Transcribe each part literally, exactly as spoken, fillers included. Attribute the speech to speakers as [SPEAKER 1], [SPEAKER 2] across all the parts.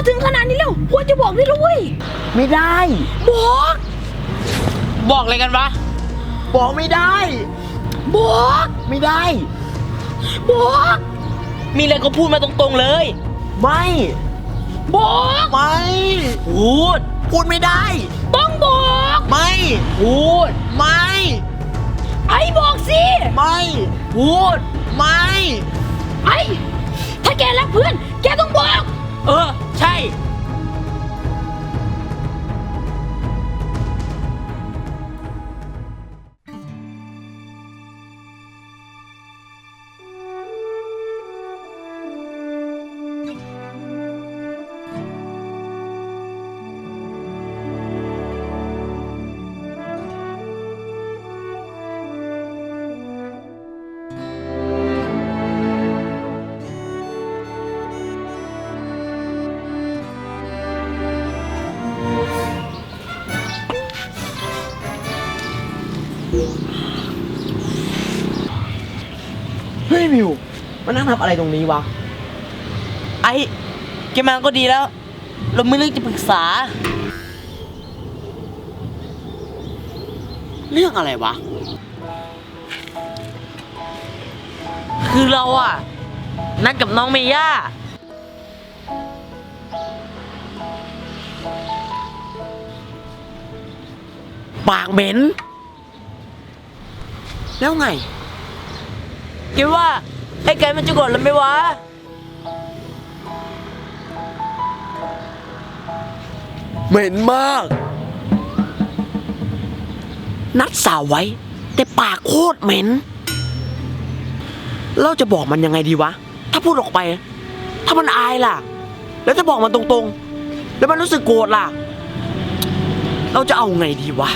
[SPEAKER 1] ถึงขนาดนี้แล้วควรจะบอกได้แล้วเว้ย
[SPEAKER 2] ไม่ได้
[SPEAKER 1] บอก
[SPEAKER 3] บอกอะไรกันวะ
[SPEAKER 2] บอกไม่ได้
[SPEAKER 1] บอก
[SPEAKER 2] ไม่ได้
[SPEAKER 1] บอก
[SPEAKER 3] มีอะไรก็พูดมาตรงๆเลย
[SPEAKER 2] ไม่
[SPEAKER 1] บอก
[SPEAKER 2] ไม่
[SPEAKER 3] พูด
[SPEAKER 2] พูดไม่ได้
[SPEAKER 1] ต้องบอก
[SPEAKER 2] ไม่
[SPEAKER 3] พูด
[SPEAKER 2] ไม่
[SPEAKER 1] ไอ้บอกสิ
[SPEAKER 2] ไม่
[SPEAKER 3] พูด
[SPEAKER 2] ไม่
[SPEAKER 1] ไอ้ถ้าแกรักเพื่อนแกต้องบอก
[SPEAKER 3] เออใช่
[SPEAKER 2] เฮ้ยมิวมานั่งทำอะไรตรงนี้วะ
[SPEAKER 3] ไอ้แกมาก็ดีแล้วเราไม่เรื่องจะปรึกษา
[SPEAKER 2] เรื่องอะไรวะ
[SPEAKER 3] คือเราอะนัดกับน้องเมย่า
[SPEAKER 2] ปากเหม็นแล้วไง
[SPEAKER 3] คิดว่าไอ้ไก่มันจะโกรธเราไหมวะ
[SPEAKER 2] เหม็นมากนัดสาวไว้แต่ปากโคตรเหม็นเราจะบอกมันยังไงดีวะถ้าพูดออกไปถ้ามันอายล่ะแล้วจะบอกมันตรงๆแล้วมันรู้สึกโกรธล่ะเราจะเอาไงดีวะ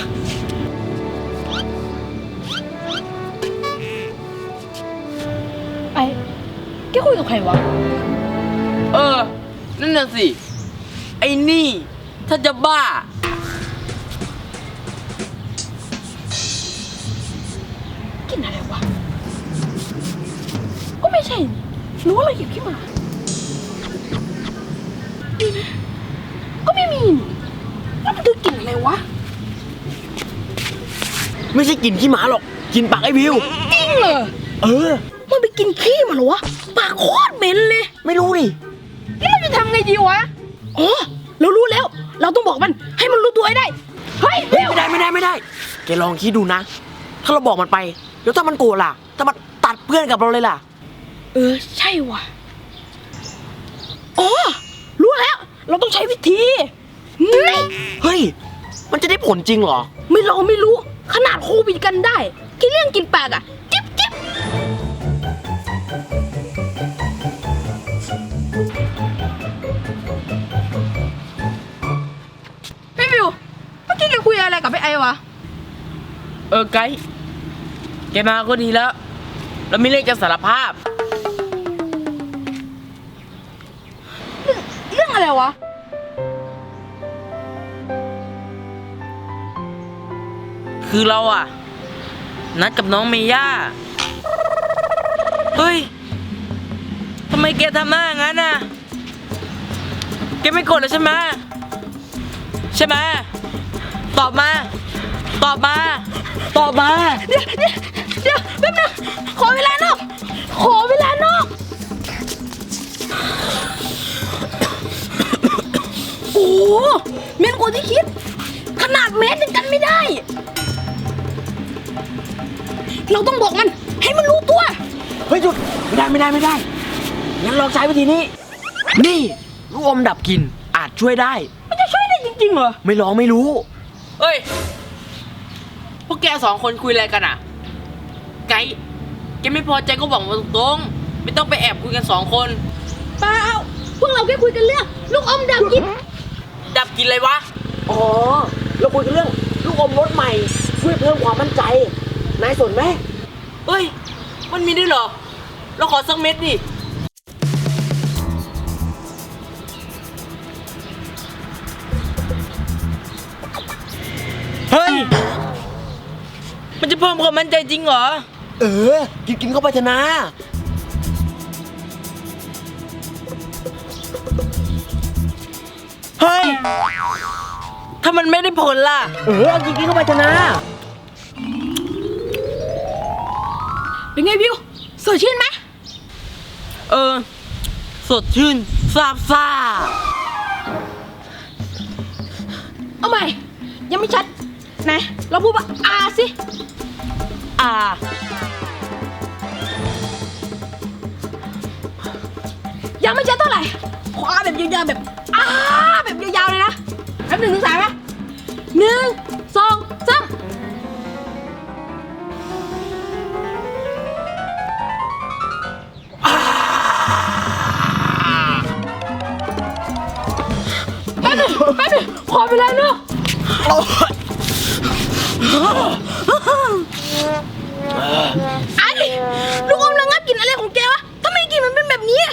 [SPEAKER 1] ไอ้แกคุยกับใครวะ
[SPEAKER 3] เออนั่นน่ะสิไอ้นี่ถ้าจะบ้า
[SPEAKER 1] กินอะไรวะก็ไม่ใช่รู้ว่าเราหยิบขึ้นมานี่นะก็ไม่มีแล้วมันคือกลิ่นอะไรวะ
[SPEAKER 2] ไม่ใช่กินขี้หมาหรอกกินปากไอ้วิว
[SPEAKER 1] จริงเหรอ
[SPEAKER 2] เออ
[SPEAKER 1] มันไปกินขี้มาเหรอวะปากโคตรเหม็นเลย
[SPEAKER 2] ไม่รู้ดิ
[SPEAKER 1] แล้วเราจะทำไงดีวะอ๋อเรารู้แล้วเราต้องบอกมันให้มันรู้ตัวให้ได้เฮ้ย
[SPEAKER 2] ไม่ได้ไม่ได้ไม่ได้แกลองคิดดูนะถ้าเราบอกมันไปแล้วถ้ามันโกรธล่ะถ้ามันตัดเพื่อนกับเราเลยล่ะ
[SPEAKER 1] เออใช่ว่ะอ๋อรู้แล้วเราต้องใช้วิธีนี่
[SPEAKER 2] เฮ้ยมันจะได้ผลจริงเหรอ
[SPEAKER 1] ไม่เราไม่รู้ขนาดโควิดกันได้กินเรื่องกินปากอ่ะจิ๊บจิ๊บพี่บิวเมื่อกี้แกคุยอะไรกับพี่ไอวะ
[SPEAKER 3] เออไกด์แกมาก็ดีแล้วเราไม่เรื่องจะสารภาพ
[SPEAKER 1] เรื่องอะไรวะ
[SPEAKER 3] คือเราอะนัดกับน้องเมย่าเฮ้ยทำไมแกทำหน้าอย่างนั้นน่ะแกไม่โกรธเลยใช่ไหมใช่ไหมตอบมาตอบมาตอบมา
[SPEAKER 1] เดี๋ยวเดี๋ยวเดี๋ยวแป๊บนึงขอเวลานอกขอเวลานอกโอ้เมนกว่าที่คิดขนาดเมตรยังกันไม่ได้เราต้องบอกมันให้มันรู้ตัว
[SPEAKER 2] เฮ้ยหยุดไม่ได้ไม่ได้ไม่ได้งั้นลองใช้วิธีนี้นี่ลูกอมดับกลิ่นอาจช่วยได้
[SPEAKER 1] มันจะช่วยได้จริงๆเหรอ
[SPEAKER 2] ไม่ลองไม่รู้
[SPEAKER 3] เฮ้ยพวกแกสองคนคุยอะไรกันอ่ะไกด์แกไม่พอใจก็บอกมาตรงๆไม่ต้องไปแอบคุยกันสองคน
[SPEAKER 1] เปล่าพวกเราแค่คุยกันเรื่องลูกอมดับกลิ่น
[SPEAKER 3] ดับกลิ่นอะไรวะ
[SPEAKER 2] อ๋อเราคุยกันเรื่องลูกอมรสใหม่ช่วยเพิ่มความมั่นใจนายสนไหม
[SPEAKER 3] เฮ้ยมันมีด้วยเหรอเราขอสักเม็ดดิเฮ้ยมันจะเพิ่มความมั่นใจจริงเหรอ
[SPEAKER 2] เออกินกินเข้าไปเถอะนะ
[SPEAKER 3] เฮ้ย ถ้ามันไม่ได้ผลล่ะ
[SPEAKER 2] เออเอาจริงๆเข้าไปเถอะนะ
[SPEAKER 1] เป็นไงวิวสดชื่นไหม
[SPEAKER 3] เออ สดชื่นซาบซ่า
[SPEAKER 1] เอาใหม่ ยังไม่ชัดไหนเราพูดว่าอาสิ
[SPEAKER 3] อ่า
[SPEAKER 1] ยังไม่ชัดเท่าไหร่ขออาแบบยาวๆแบบอาแบบยาวๆเลยนะแป๊บหนึ่งถึงสามไหมหนึ่งสองสามแป๊บหนึ่งแป๊บหนึ่งขอไปแล้วเนอะไอ้ลูกอมระงับกลิ่นอะไรของแกวะทำไมกลิ่นมันเป็นแบบนี้อะ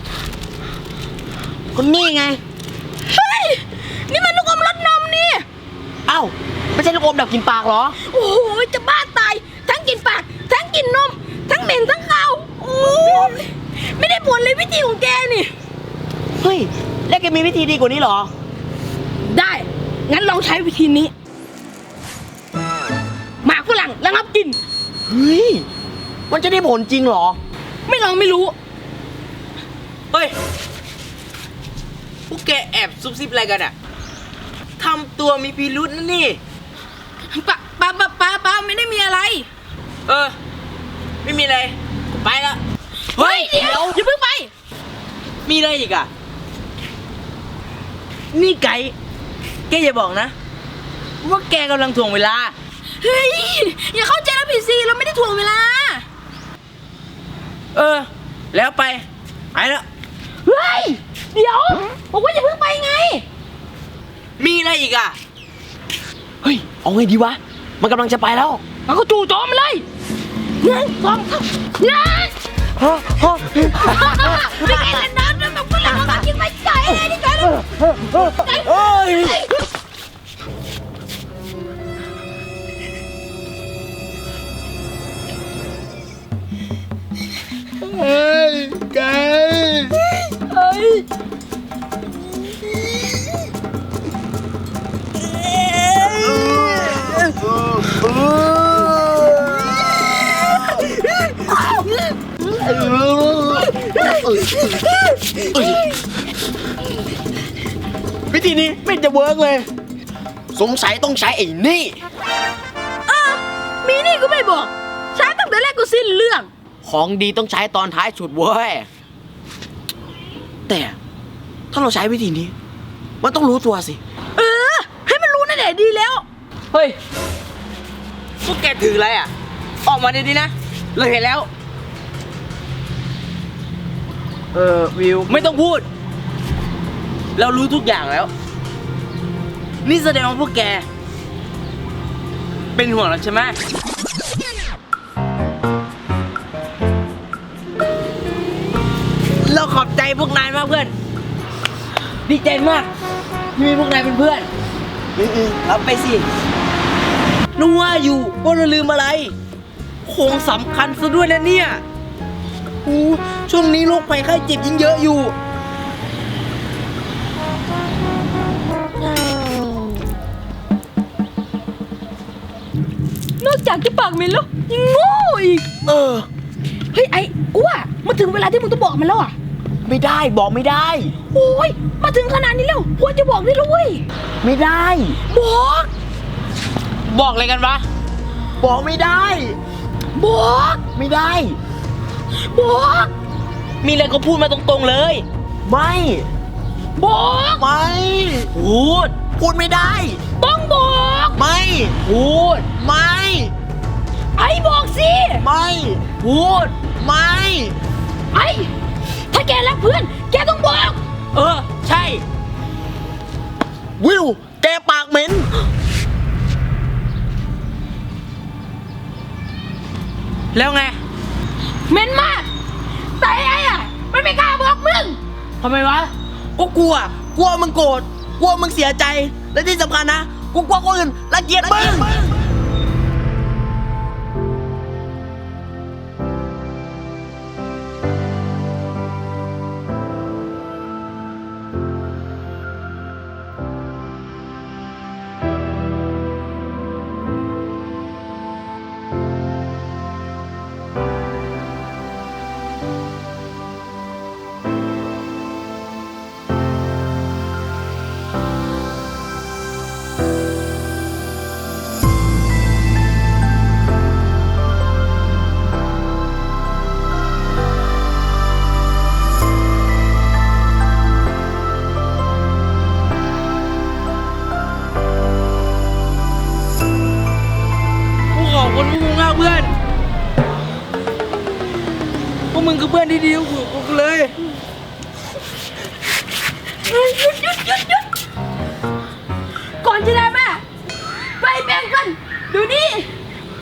[SPEAKER 2] คนนี้ไง
[SPEAKER 1] เฮ้ย นี่มันลูกอมรสนมนี่
[SPEAKER 2] เอ้า ไม่ใช่ลูกอมดับกลินปากเหรอ
[SPEAKER 1] โอ้โห จะบ้าตาย ทั้งกลินปาก ทั้งกลินนม ทั้งเหม็นทั้งขาวโอ้ยไม่ได้ผลเลยวิธีของแกนี่
[SPEAKER 2] เฮ้ย แล้วแกมีวิธีดีกว่านี้เหรอ
[SPEAKER 1] ได้ งั้นลองใช้วิธีนี้ หมากฝรั่งระงับกลิ่น
[SPEAKER 2] เฮ้ย มันจะได้ผลจริงเหรอ
[SPEAKER 1] ไม่ลองไม่รู้
[SPEAKER 3] เฮ้ย พวกแกแอบซุบซิบอะไรกันอะทำตัวมีพิรุษนะนี่
[SPEAKER 1] ปะปะปะปะปะไม่ได้มีอะไร
[SPEAKER 3] เออ ไม่มีอะไร ไปละ
[SPEAKER 1] เฮ้ย เดี๋ยวอย่าเพิ่งไป
[SPEAKER 3] มีอะไรอีกอะนี่ไก่ แกอย่าบอกนะ ว่าแกกำลังถ่วงเวลา
[SPEAKER 1] เฮ้ย อย่าเข้าใจเราผิดสิ เราไม่ได้ถ่วงเวลา
[SPEAKER 3] เออ แล้วไป ไปแล้ว
[SPEAKER 1] เฮ้ย เดี๋ยวบอกว่าอย่าเพิ่งไปไง
[SPEAKER 3] มีอะไรอีกอะ
[SPEAKER 2] เฮ้ย เอาไงดีวะ มันกำลังจะไปแล้ว
[SPEAKER 1] เราก็จู่โจมมันเลยหนึ่งสองสามหนึ่ง
[SPEAKER 2] ฮะฮะ
[SPEAKER 1] ไม่ไงล่ะน้ำน้ำแบบฝรั่งมันกินไปไก่เลยนี่ไก่เลย
[SPEAKER 2] เอ้ย เฮ้ยไก่
[SPEAKER 1] เฮ้ย
[SPEAKER 2] วิธีนี้ไม่จะเวิร์กเลย สงสัยต้องใช้ไอ้นี่
[SPEAKER 1] อ่ะมีนี่ก็ไม่บอก ใช้ตั้งแต่แรกก็สิ้นเรื่อง
[SPEAKER 2] ของดีต้องใช้ตอนท้ายสุดเว้ย แต่ถ้าเราใช้วิธีนี้ มันต้องรู้ตัวสิ
[SPEAKER 1] เออ ให้มันรู้นั่นแหละดีแล้ว
[SPEAKER 3] เฮ้ย พวกแกถืออะไรอะออกมาดีๆนะ เราเห็นแล้ว
[SPEAKER 2] เออวิว
[SPEAKER 3] ไม่ต้องพูด เรารู้ทุกอย่างแล้ว นี่แสดงว่าพวกแก เป็นห่วงเราใช่ไหม เราขอบใจพวกนายมากเพื่อน ดีใจมากที่มีพวกนายเป็นเพื่อนอือๆรับไปสินึกว่าอยู่ว่าเราลืมอะไรของสำคัญซะด้วยนะเนี่ยโอ้ช่วงนี้โรคภัยไข้เจ็บยิ่งเยอะอยู่
[SPEAKER 1] นอกจากจะปากเหม็นแล้วยังโง่อีก
[SPEAKER 2] เออ
[SPEAKER 1] เฮ้ยไอ้กูว่ามาถึงเวลาที่มึงต้องบอกมันแล้วอ่ะ
[SPEAKER 2] ไม่ได้บอกไม่ได้
[SPEAKER 1] โอ้ย มาถึงขนาดนี้แล้วควรจะบอกได้แล้วเว้ย
[SPEAKER 2] ไม่ได้
[SPEAKER 1] บอก
[SPEAKER 3] บอกอะไรกันวะ
[SPEAKER 2] บอกไม่ได้
[SPEAKER 1] บอก
[SPEAKER 2] ไม่ได้
[SPEAKER 1] บอก
[SPEAKER 3] มีอะไรก็พูดมาตรงๆเลย
[SPEAKER 2] ไม่
[SPEAKER 1] บอก
[SPEAKER 2] ไม่
[SPEAKER 3] พูด
[SPEAKER 2] พูดไม่ได้
[SPEAKER 1] ต้องบอก
[SPEAKER 2] ไม่
[SPEAKER 3] พูด
[SPEAKER 2] ไม่
[SPEAKER 1] ไอ้บอกสิ
[SPEAKER 2] ไม่
[SPEAKER 3] พูด
[SPEAKER 2] ไม่
[SPEAKER 1] ไอ้ถ้าแกรักเพื่อน แกต้องบอก
[SPEAKER 3] เออ ใช่
[SPEAKER 2] วิว แกปากเหม็น
[SPEAKER 3] แล้วไง
[SPEAKER 1] เหม็นมาก แต่ไอ้อะมันไม่กล้าบอกมึง
[SPEAKER 3] ทำไมวะ
[SPEAKER 2] ก็กลัว กลัวมึงโกรธ กลัวมึงเสียใจ และที่สำคัญนะ กูกลัวคนอื่นรังเกียจมึง
[SPEAKER 3] พื่อนดีๆของกูเลย
[SPEAKER 1] เฮ้ยหยุดหยุดหยุดหยุดก่อนจะได้แม่ไปแบ่งกันดูนี่ไป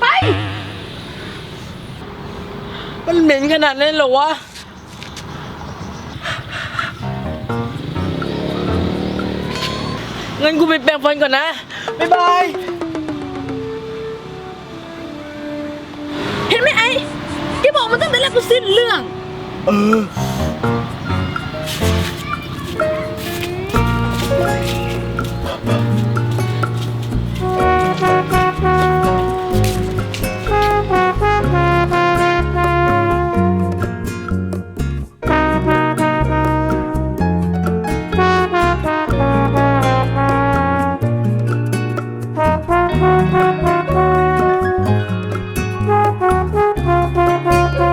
[SPEAKER 3] มันเหม็นขนาดนั้นเหรอวะ งั้นกูไปแปรงฟันก่อนนะ บ๊ายบาย
[SPEAKER 1] เห็นไหมไอ้ที่บอกมันตั้งแต่แรกก็สิ้นเรื่อง
[SPEAKER 2] เออ